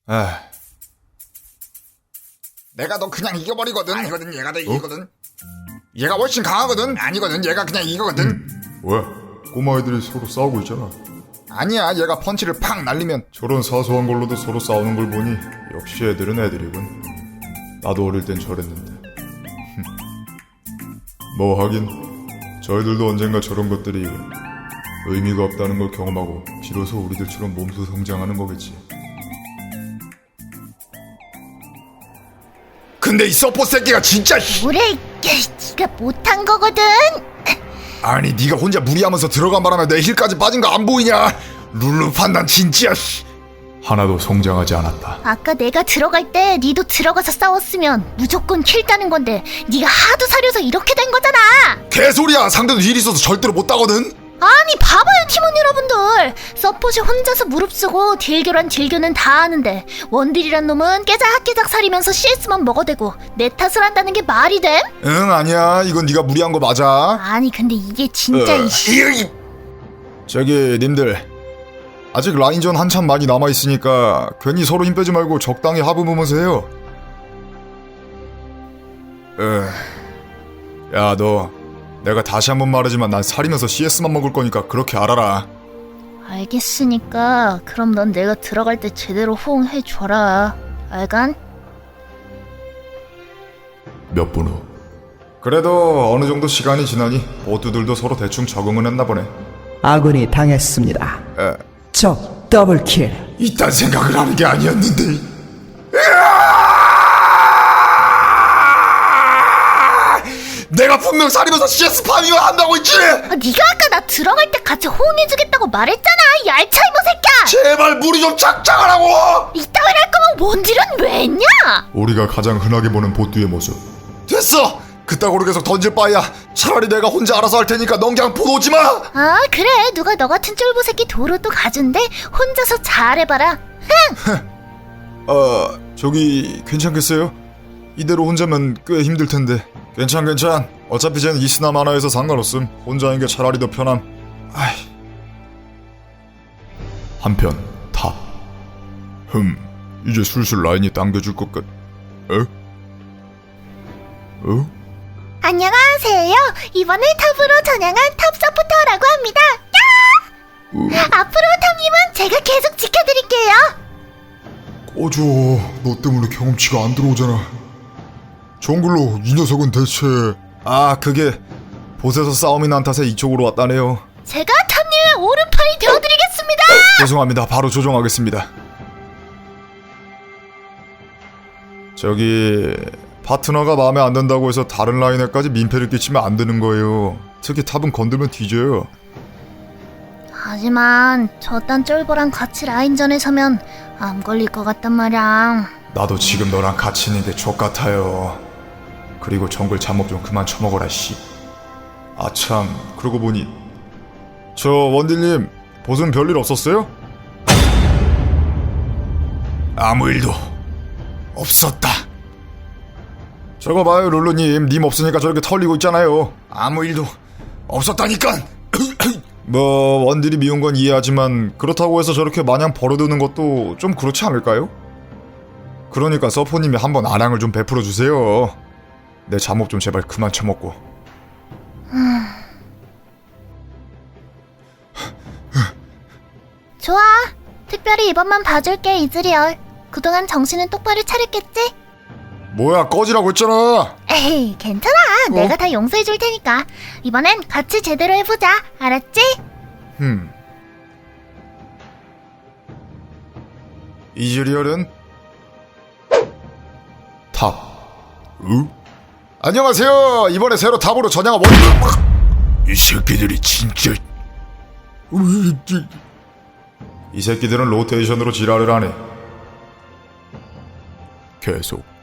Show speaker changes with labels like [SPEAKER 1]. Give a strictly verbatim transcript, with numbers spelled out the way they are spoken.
[SPEAKER 1] 에휴. 내가 너 그냥 이겨버리거든. 아니거든. 얘가 더 이기거든. 어? 얘가 훨씬 강하거든. 아니거든. 얘가 그냥 이거거든.
[SPEAKER 2] 음. 왜? 꼬마애들이 서로 싸우고 있잖아.
[SPEAKER 1] 아니야. 얘가 펀치를 팍 날리면
[SPEAKER 2] 저런 사소한 걸로도 서로 싸우는 걸 보니 역시 애들은 애들이군. 나도 어릴 땐 저랬는데. 뭐 하긴 저희들도 언젠가 저런 것들이 의미가 없다는 걸 경험하고 비로소 우리들처럼 몸소 성장하는 거겠지.
[SPEAKER 1] 근데 이 서포 새끼가 진짜
[SPEAKER 3] 뭐래? 네가 못한 거거든.
[SPEAKER 1] 아니 네가 혼자 무리하면서 들어간 바람에 내 힐까지 빠진 거 안 보이냐? 룰루 판단 진짜
[SPEAKER 2] 하나도 성장하지 않았다.
[SPEAKER 3] 아까 내가 들어갈 때 니도 들어가서 싸웠으면 무조건 킬 따는 건데 니가 하도 사려서 이렇게 된 거잖아.
[SPEAKER 1] 개소리야. 상대도 힐 있어서 절대로 못 따거든.
[SPEAKER 3] 아니 봐봐요 팀원 여러분들, 서폿이 혼자서 무릅쓰고 딜교란 딜교는 다 하는데 원딜이란 놈은 깨작깨작 사리면서 씨에스만 먹어대고 내 탓을 한다는 게 말이 돼?
[SPEAKER 1] 응 아니야. 이건 네가 무리한 거 맞아.
[SPEAKER 3] 아니 근데 이게 진짜
[SPEAKER 1] 어,
[SPEAKER 3] 이씨.
[SPEAKER 1] 이, 저기 님들 아직 라인전 한참 많이 남아있으니까 괜히 서로 힘 빼지 말고 적당히 합을 보면서 해요. 야 너 내가 다시 한번 말하지만 난 살이면서 씨에스만 먹을 거니까 그렇게 알아라.
[SPEAKER 3] 알겠으니까 그럼 넌 내가 들어갈 때 제대로 호응해줘라. 알간?
[SPEAKER 2] 몇 분 후.
[SPEAKER 1] 그래도 어느 정도 시간이 지나니 보트들도 서로 대충 적응은 했나 보네.
[SPEAKER 4] 아군이 당했습니다.
[SPEAKER 1] 에,
[SPEAKER 4] 적 더블킬.
[SPEAKER 1] 이딴 생각을 하는 게 아니었는데. 내가 분명 살이면서 씨에스 파밍을 한다고 했지.
[SPEAKER 3] 아, 네가 아까 나 들어갈 때 같이 호응해주겠다고 말했잖아. 이 알차 이모 새끼야.
[SPEAKER 1] 제발 무리 좀 작작하라고.
[SPEAKER 3] 이따위로 할 거면 원딜은 왜 했냐?
[SPEAKER 2] 우리가 가장 흔하게 보는 보뚜의 모습.
[SPEAKER 1] 됐어. 그따구로 계속 던질 바에야 차라리 내가 혼자 알아서 할 테니까 넌 그냥 보러 오지 마.
[SPEAKER 3] 아 그래, 누가 너 같은 쫄보 새끼 도로 또 가준대. 혼자서 잘해봐라.
[SPEAKER 1] 어 저기 괜찮겠어요? 이대로 혼자면 꽤 힘들 텐데. 괜찮 괜찮. 어차피 쟤는 이스나 만화에서 상관없음. 혼자인 게 차라리 더 편함. 아이.
[SPEAKER 2] 한편 탑. 흠, 이제 슬슬 라인이 당겨줄 것 같... 에? 어?
[SPEAKER 3] 안녕하세요. 이번에 탑으로 전향한 탑 서포터라고 합니다. 야! 앞으로 탑님은 제가 계속 지켜드릴게요.
[SPEAKER 2] 꺼져. 너 때문에 경험치가 안 들어오잖아. 정글로 이 녀석은 대체...
[SPEAKER 1] 아 그게 보스에서 싸움이 난 탓에 이쪽으로 왔다네요.
[SPEAKER 3] 제가 탑님의 오른팔이 되어드리겠습니다.
[SPEAKER 1] 죄송합니다. 바로 조정하겠습니다. 저기 파트너가 마음에 안 든다고 해서 다른 라인에까지 민폐를 끼치면 안 되는 거예요. 특히 탑은 건들면 뒤져요.
[SPEAKER 3] 하지만 저딴 쫄보랑 같이 라인전에 서면 암 걸릴 것 같단 말이야.
[SPEAKER 1] 나도 지금 너랑 같이 있는 게 족같아요. 그리고 정글 잠업 좀 그만 처먹어라 씨. 아참 그러고 보니 저 원딜님 보스는 별일 없었어요? 아무 일도 없었다. 저거 봐요 룰루님. 님 없으니까 저렇게 털리고 있잖아요. 아무 일도 없었다니까. 뭐 원딜이 미운 건 이해하지만 그렇다고 해서 저렇게 마냥 버려두는 것도 좀 그렇지 않을까요? 그러니까 서포님이 한번 아량을 좀 베풀어 주세요. 내 잠옷 좀 제발 그만 처먹고.
[SPEAKER 3] 좋아. 특별히 이번만 봐줄게 이즈리얼. 그동안 정신은 똑바로 차렸겠지?
[SPEAKER 1] 뭐야 꺼지라고 했잖아.
[SPEAKER 3] 에이 괜찮아.
[SPEAKER 1] 어?
[SPEAKER 3] 내가 다 용서해줄 테니까. 이번엔 같이 제대로 해보자. 알았지?
[SPEAKER 1] 흠. 이즈리얼은 탑.
[SPEAKER 2] 응?
[SPEAKER 1] 안녕하세요. 이번에 새로 탑으로 전향한 원.
[SPEAKER 2] 이 새끼들이 진짜...
[SPEAKER 1] 이 새끼들은 로테이션으로 지랄을 하네.
[SPEAKER 2] 계속